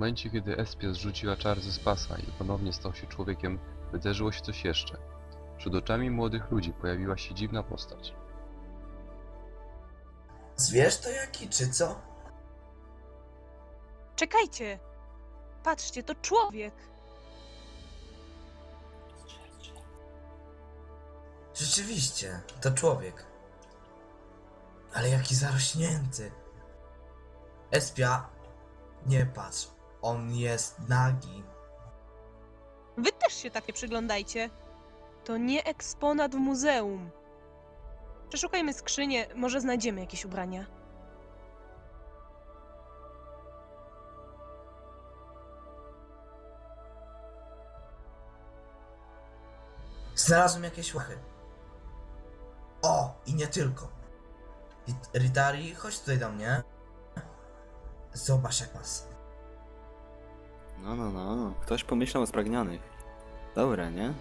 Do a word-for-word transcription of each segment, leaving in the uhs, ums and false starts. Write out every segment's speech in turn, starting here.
momencie, kiedy Espia zrzuciła czar ze spasa i ponownie stał się człowiekiem, wydarzyło się coś jeszcze. Przed oczami młodych ludzi pojawiła się dziwna postać. Zwierz to jaki, czy co? Czekajcie! Patrzcie, to człowiek! Rzeczywiście, to człowiek. Ale jaki zarośnięty. Espia, nie patrz, on jest nagi. Wy też się tak nie przyglądajcie. To nie eksponat w muzeum. Przeszukajmy skrzynię, może znajdziemy jakieś ubrania. Znalazłem jakieś łachy. O, i nie tylko. Rit- Ritari, chodź tutaj do mnie. Zobacz jak was. No, no, no. Ktoś pomyślał o spragnionych. Dobre, nie?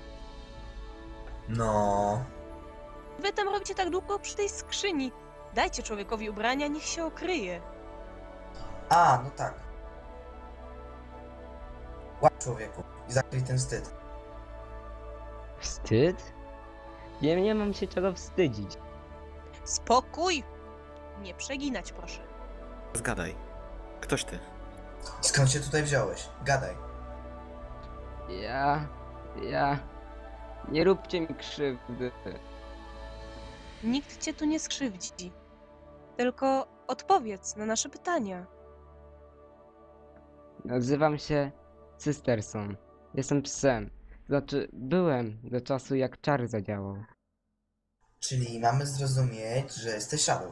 No. Wy tam robicie tak długo przy tej skrzyni. Dajcie człowiekowi ubrania, niech się okryje. A, no tak. Łap człowieku i zakryj ten wstyd. Wstyd? Ja nie mam się czego wstydzić. Spokój! Nie przeginać, proszę. Zgadaj. Ktoś ty? Skąd się tutaj wziąłeś? Gadaj. Ja... ja... Nie róbcie mi krzywdy. Nikt cię tu nie skrzywdzi. Tylko odpowiedz na nasze pytania. Nazywam się Cysterson. Jestem psem. Znaczy, byłem do czasu jak czar zadziałał. Czyli mamy zrozumieć, że jesteś Shadow.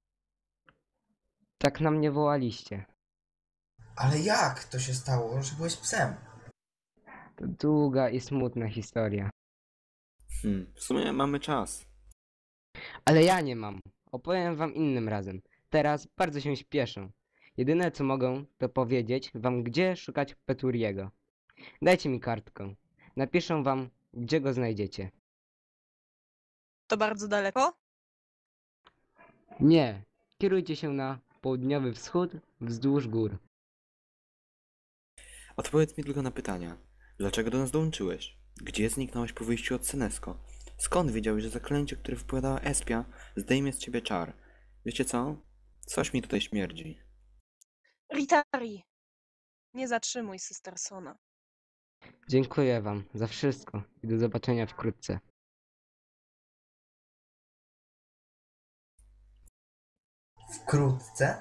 Tak na mnie wołaliście. Ale jak to się stało, że byłeś psem? To długa i smutna historia. Hmm, w sumie mamy czas. Ale ja nie mam. Opowiem wam innym razem. Teraz bardzo się śpieszę. Jedyne co mogę, to powiedzieć wam, gdzie szukać Peturiego. Dajcie mi kartkę. Napiszę wam, gdzie go znajdziecie. To bardzo daleko? Nie. Kierujcie się na południowy wschód wzdłuż gór. Odpowiedz mi tylko na pytania. Dlaczego do nas dołączyłeś? Gdzie zniknąłeś po wyjściu od Senesko? Skąd wiedziałeś, że zaklęcie, które wypowiadała Espia, zdejmie z ciebie czar? Wiecie co? Coś mi tutaj śmierdzi. Ritari! Nie zatrzymuj Cystersona. Dziękuję wam za wszystko i do zobaczenia wkrótce. Wkrótce?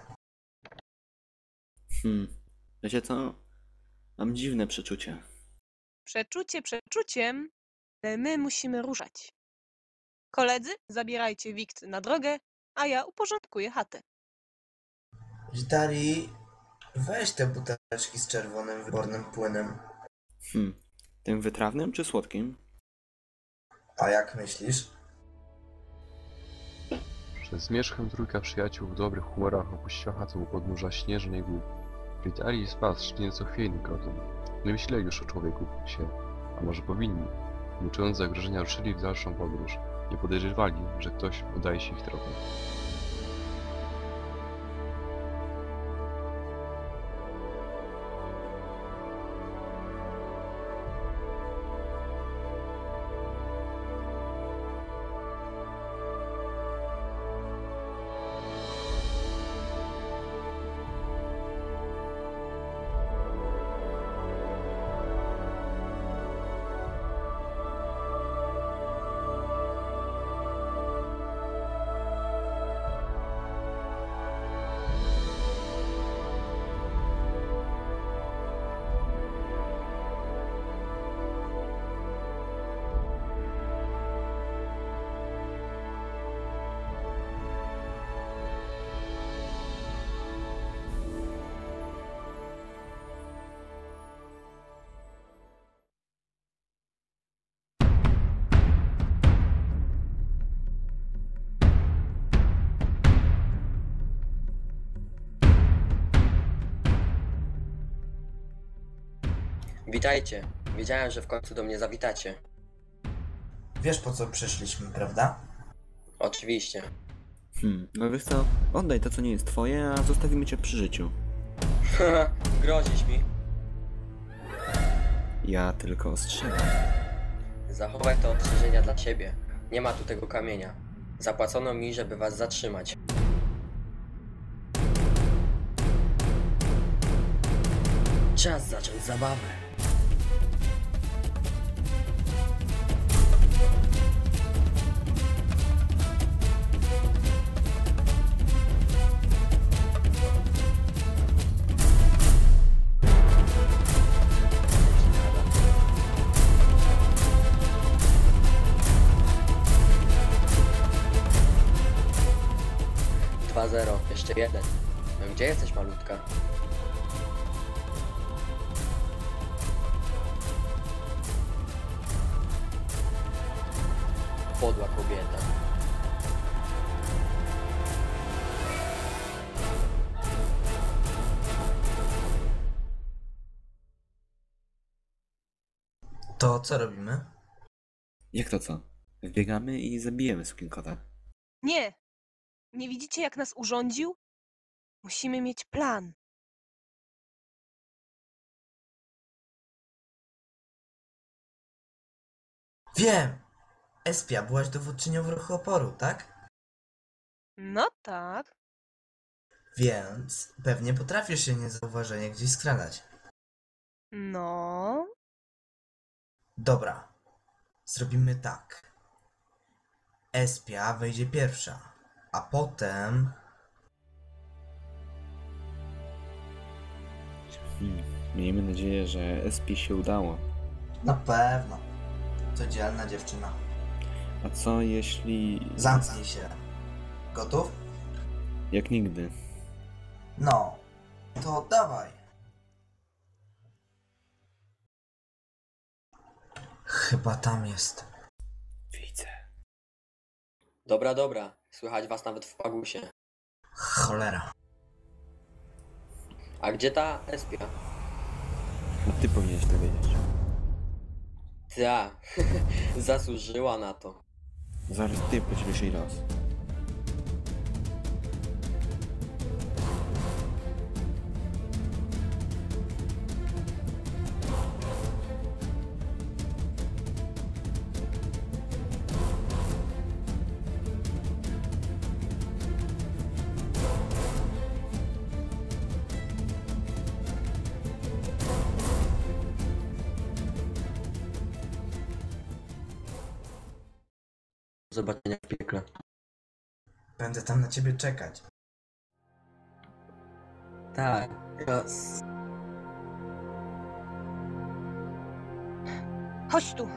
Hmm, wiecie co? Mam dziwne przeczucie. Przeczucie przeczuciem, ale my musimy ruszać. Koledzy, zabierajcie wikt na drogę, a ja uporządkuję chatę. Ritari, weź te buteleczki z czerwonym wybornym płynem. Hmm, tym wytrawnym czy słodkim? A jak myślisz? Przez zmierzchem trójka przyjaciół w dobrych humorach opuściła chatę u podnóża śnieżnej góry. Ritari i Spas szli nieco chwiejnym krokiem. Nie myśleli już o człowieku się, a może powinni. Nie czując zagrożenia ruszyli w dalszą podróż. Nie podejrzewali, że ktoś udaje się ich tropem. Witajcie. Wiedziałem, że w końcu do mnie zawitacie. Wiesz po co przyszliśmy, prawda? Oczywiście. Hmm, no wiesz co? Oddaj to, co nie jest twoje, a zostawimy cię przy życiu. Grozisz mi. Ja tylko ostrzegam. Zachowaj te ostrzeżenia dla siebie. Nie ma tu tego kamienia. Zapłacono mi, żeby was zatrzymać. Czas zacząć zabawę. dwa zero, jeszcze jeden. No gdzie jesteś, malutka? Podła kobieta. To co robimy? Jak to co? Wbiegamy i zabijemy sukienkota. Nie! Nie widzicie, jak nas urządził? Musimy mieć plan. Wiem! Espia, byłaś dowódczynią w ruchu oporu, tak? No tak. Więc pewnie potrafisz się niezauważenie gdzieś skradać. No. Dobra. Zrobimy tak. Espia wejdzie pierwsza, a potem... Hmm. Miejmy nadzieję, że S P się udało. Na pewno. To dzielna dziewczyna. A co jeśli... Zamknij się. Gotów? Jak nigdy. No. To dawaj. Chyba tam jest. Widzę. Dobra, dobra. Słychać was nawet w pagusie. Cholera. A gdzie ta espia? A ty powinieneś to wiedzieć. Ta, zasłużyła na to. Zaraz ty podzielisz jej los. Do zobaczenia w piekle. Będę tam na ciebie czekać. Tak, raz. Chodź tu.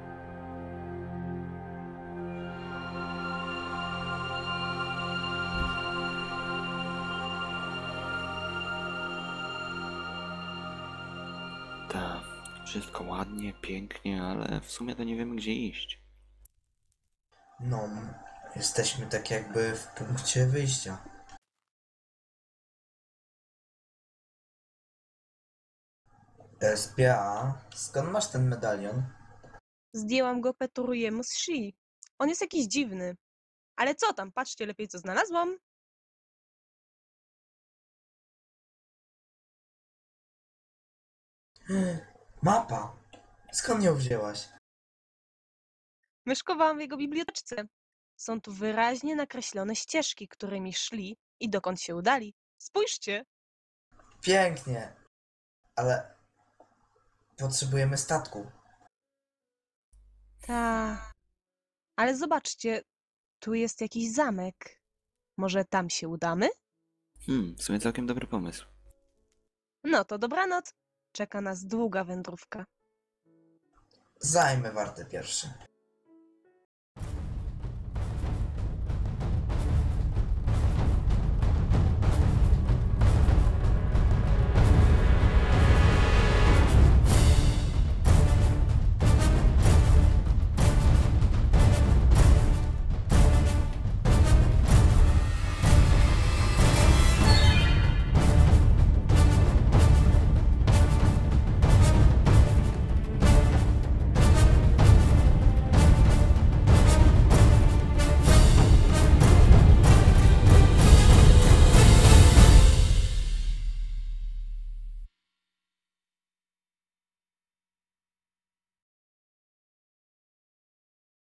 Tak, wszystko ładnie, pięknie, ale w sumie to nie wiemy gdzie iść. No, jesteśmy tak jakby w punkcie wyjścia. Espia, skąd masz ten medalion? Zdjęłam go Peturiemu z szyi. On jest jakiś dziwny. Ale co tam? Patrzcie lepiej, co znalazłam. Mapa! Skąd ją wzięłaś? Myszkowałam w jego biblioteczce. Są tu wyraźnie nakreślone ścieżki, którymi szli i dokąd się udali. Spójrzcie. Pięknie! Ale potrzebujemy statku. Ta. Ale zobaczcie, tu jest jakiś zamek. Może tam się udamy? Hmm, w sumie całkiem dobry pomysł. No to dobranoc. Czeka nas długa wędrówka. Zajmę wartę pierwszy.